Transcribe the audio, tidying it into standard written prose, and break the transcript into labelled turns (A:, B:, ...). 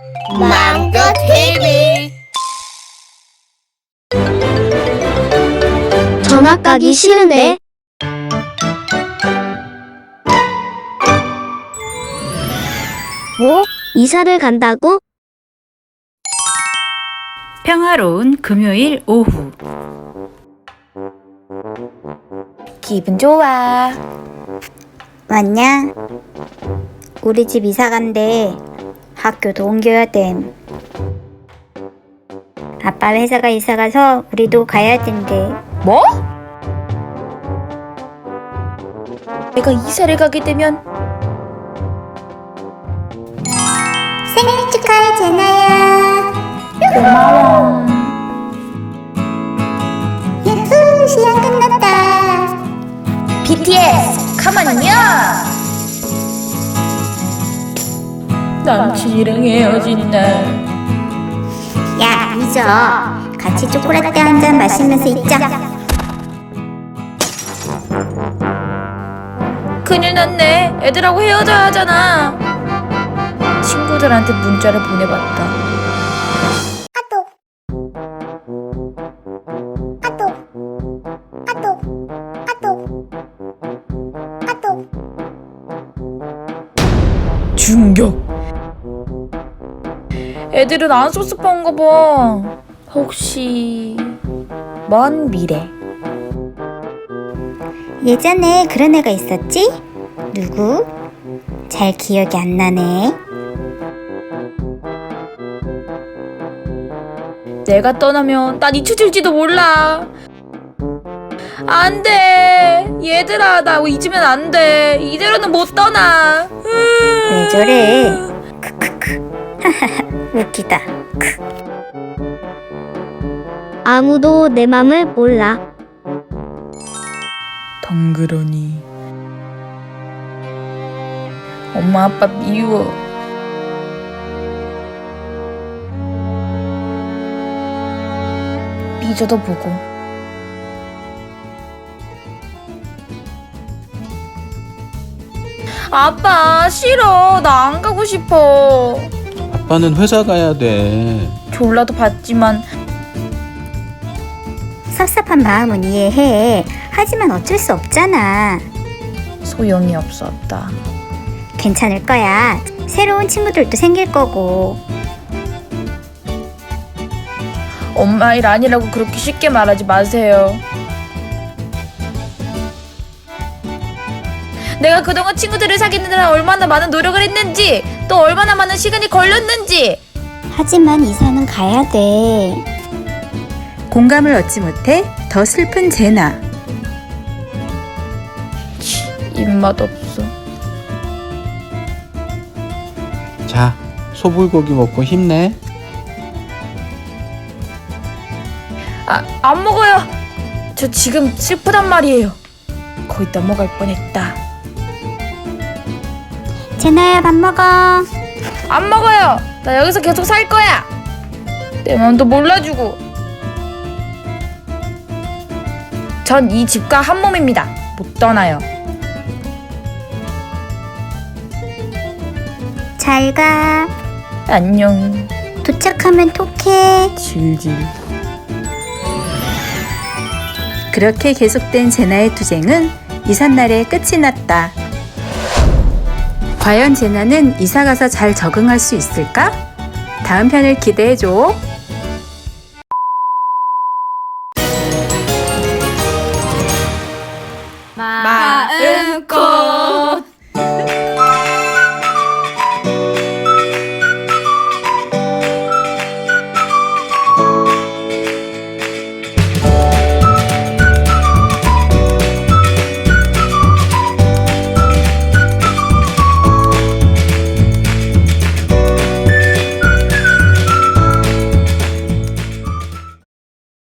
A: 망고 TV.
B: 전학 가기 싫은데. 뭐? 이사를 간다고?
C: 평화로운 금요일 오후.
D: 기분 좋아. 왔냐? 우리 집 이사 간대. 학교도 옮겨야 됨. 아빠 회사가 이사 가서 우리도 가야 된대.
A: 뭐? 내가 이사를 가게 되면
D: 생일 축하해, 제나야.
A: 고마워.
D: 야후, 시간 끝났다.
A: BTS 가만히요. 남친이랑 헤어진다.
D: 야, 잊어. 같이 초콜릿 한 잔 마시면서 있자.
A: 큰일 났네. 애들하고 헤어져야 하잖아. 친구들한테 문자를 보내봤다.
D: 아또. 아또. 아또. 아또. 아또.
A: 충격. 애들은 안 섭섭한가 봐. 혹시 먼 미래.
D: 예전에 그런 애가 있었지? 누구? 잘 기억이 안 나네.
A: 내가 떠나면 난 잊혀질지도 몰라. 안 돼. 얘들아, 나 잊으면 안 돼. 이대로는 못 떠나.
D: 왜 저래? 크크크. 하하하, 웃기다. 크.
B: 아무도 내 맘을 몰라.
A: 덩그러니. 엄마 아빠 미워. 삐져도 보고. 아빠 싫어. 나 안 가고 싶어.
E: 아빠는 회사 가야 돼.
A: 졸라도 봤지만
D: 섭섭한 마음은 이해해. 하지만 어쩔 수 없잖아.
A: 소용이 없었다.
D: 괜찮을 거야. 새로운 친구들도 생길 거고.
A: 엄마 일 아니라고 그렇게 쉽게 말하지 마세요. 내가 그동안 친구들을 사귀는데 얼마나 많은 노력을 했는지, 또 얼마나 많은 시간이 걸렸는지.
D: 하지만 이사는 가야 돼.
C: 공감을 얻지 못해 더 슬픈 제나.
A: 입맛 없어.
E: 자, 소불고기 먹고 힘내.
A: 안 먹어요. 저 지금 슬프단 말이에요. 거의 넘어갈 뻔했다.
D: 제나야, 밥 먹어.
A: 안 먹어요. 나 여기서 계속 살 거야. 내 마음도 몰라주고. 전 이 집과 한 몸입니다. 못 떠나요.
D: 잘 가.
A: 안녕.
D: 도착하면 톡해.
A: 질질.
C: 그렇게 계속된 제나의 투쟁은 이삿날에 끝이 났다. 과연 제나는 이사 가서 잘 적응할 수 있을까? 다음 편을 기대해줘.
A: 마.